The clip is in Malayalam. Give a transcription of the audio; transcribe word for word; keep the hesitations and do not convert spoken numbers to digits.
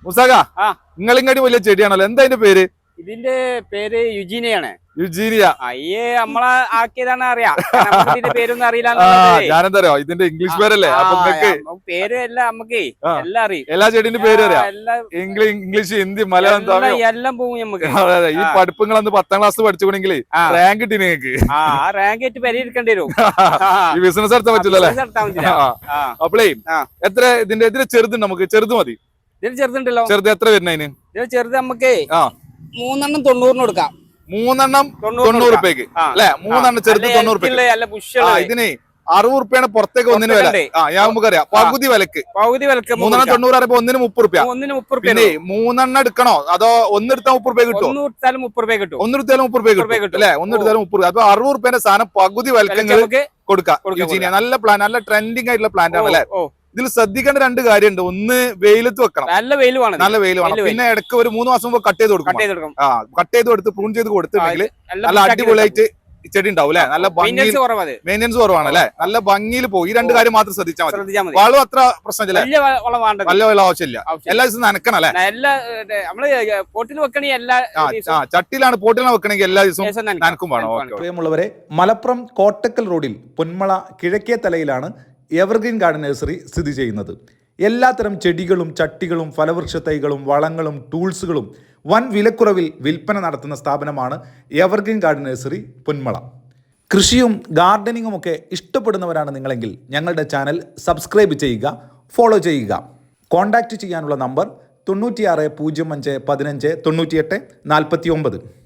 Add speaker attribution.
Speaker 1: മുസാക നിങ്ങളിങ്ങടി വലിയ ചെടിയാണല്ലോ, എന്താ അതിന്റെ പേര്?
Speaker 2: ഇതിന്റെ പേര് യുജീനിയാണ്.
Speaker 1: യുജീനിയ.
Speaker 2: അയ്യേ നമ്മളെ ആക്കിയതാണ് അറിയാം. ഇതിന്റെ പേരൊന്നും അറിയില്ല.
Speaker 1: ഞാനെന്തറിയോ ഇതിന്റെ ഇംഗ്ലീഷ് പേരല്ലേ, അപ്പൊ
Speaker 2: പേര് എല്ലാം നമുക്ക് എല്ലാം അറിയും.
Speaker 1: എല്ലാ ചെടിന്റെ പേര് അറിയാം. ഇംഗ്ലീഷ്, ഹിന്ദി, മലയാളം, തമിഴ്
Speaker 2: എല്ലാം പോകും നമുക്ക്.
Speaker 1: ഈ പഠിപ്പുകളന്ന് പത്താം ക്ലാസ് പഠിച്ചുകൊണ്ടെങ്കിൽ റാങ്ക് കിട്ടി നിങ്ങൾക്ക്.
Speaker 2: ആ റാങ്ക് ആയിട്ട് പരിഹരിക്കേണ്ടി വരും.
Speaker 1: ഈ ബിസിനസ് നടത്താൻ പറ്റില്ലല്ലേ? അപ്പളേ എത്ര ഇതിന്റെ ഇതിന്റെ ചെറുതുണ്ട്, നമുക്ക് ചെറുത് മതി.
Speaker 2: ഇതിന് ചെറുതുണ്ടല്ലോ.
Speaker 1: ചെറുത് എത്ര വരുന്നതിന്?
Speaker 2: ഇതിന് ചെറുത് നമുക്ക് മൂന്നെണ്ണം തൊണ്ണൂറിന് കൊടുക്കാം.
Speaker 1: മൂന്നെണ്ണം തൊണ്ണൂറ് റുപ്യക്ക് അല്ലെ? മൂന്നെണ്ണം ചെറുത് തൊണ്ണൂറ് റുപ്യ. ഇതിന് അറുപത് റുപ്യാണ് പുറത്തേക്ക് ഒന്നിന് വില. ഞാൻ നമുക്കറിയാം പകുതി വിലക്ക്.
Speaker 2: പകുതി വിലക്ക്
Speaker 1: മൂന്നെണ്ണം തൊണ്ണൂറ് പറയുമ്പോ ഒന്നിന് മുപ്പത് റുപ്യ.
Speaker 2: ഒന്നിന് മുപ്പത് റുപ്യ.
Speaker 1: പിന്നെ മൂന്നെണ്ണം എടുക്കണോ അതോ ഒന്നെടുത്താൽ മുപ്പത് റുപ്യ കിട്ടും?
Speaker 2: ഒന്നെടുത്താലും മുപ്പത് റുപ്യ കിട്ടും.
Speaker 1: ഒന്നെടുത്താലും മുപ്പത് റുപ്യ കിട്ടും അല്ലെ? ഒന്നെടുത്താലും മുപ്പത് റുപ്യ. അപ്പൊ അറുപത് റുപ്യന്റെ സാധനം പകുതി വിലക്ക് കൊടുക്കാം. നല്ല പ്ലാൻ, നല്ല ട്രെൻഡിങ് ആയിട്ടുള്ള പ്ലാന്റ് ആണ് അല്ലെ? ഇതിൽ ശ്രദ്ധിക്കേണ്ട രണ്ട് കാര്യമുണ്ട്. ഒന്ന് വെയിലത്ത് വെക്കണം, നല്ല വെയിൽ വേണം, നല്ല വെയിൽ വേണം. പിന്നെ ഇടയ്ക്ക് ഒരു മൂന്ന് മാസം മുമ്പ് കട്ട് ചെയ്ത് കൊടുക്കും. ആ കട്ട് ചെയ്ത് കൊടുത്ത് പ്രൂൺ ചെയ്ത് കൊടുത്തിട്ടുണ്ടെങ്കിൽ നല്ല അടിപൊളിയായിട്ട് ചെടി ഉണ്ടാവും അല്ലെ? നല്ല ഭംഗി, മെയിൻ്റെനൻസ് കുറവാണ് അല്ലെ? നല്ല ഭംഗിയിൽ പോകും. ഈ രണ്ട് കാര്യം മാത്രം ശ്രദ്ധിച്ചാൽ മതി. വളം അത്ര പ്രശ്നമില്ല, നല്ല വെള്ളം ആവശ്യമില്ല. എല്ലാ ദിവസവും നനക്കണം അല്ലെ? ചട്ടിയിലാണ് പോട്ടിലാണ് വെക്കണമെങ്കിൽ എല്ലാ ദിവസവും നനക്കും വേണം.
Speaker 3: പ്രിയമുള്ളവരെ, മലപ്പുറം കോട്ടക്കൽ റോഡിൽ പൊന്മള കിഴക്കേ തലയിലാണ് എവർഗ്രീൻ ഗാർഡൻ നഴ്സറി സ്ഥിതി ചെയ്യുന്നത്. എല്ലാത്തരം ചെടികളും ചട്ടികളും ഫലവൃക്ഷ തൈകളും വളങ്ങളും ടൂൾസുകളും വൻ വിലക്കുറവിൽ വിൽപ്പന നടത്തുന്ന സ്ഥാപനമാണ് എവർഗ്രീൻ ഗാർഡൻ നഴ്സറി പൊന്മള. കൃഷിയും ഗാർഡനിങ്ങും ഒക്കെ ഇഷ്ടപ്പെടുന്നവരാണ് നിങ്ങളെങ്കിൽ ഞങ്ങളുടെ ചാനൽ സബ്സ്ക്രൈബ് ചെയ്യുക, ഫോളോ ചെയ്യുക. കോൺടാക്റ്റ് ചെയ്യാനുള്ള നമ്പർ തൊണ്ണൂറ്റിയാറ് പൂജ്യം അഞ്ച് പതിനഞ്ച് തൊണ്ണൂറ്റിയെട്ട് നാൽപ്പത്തി ഒമ്പത്.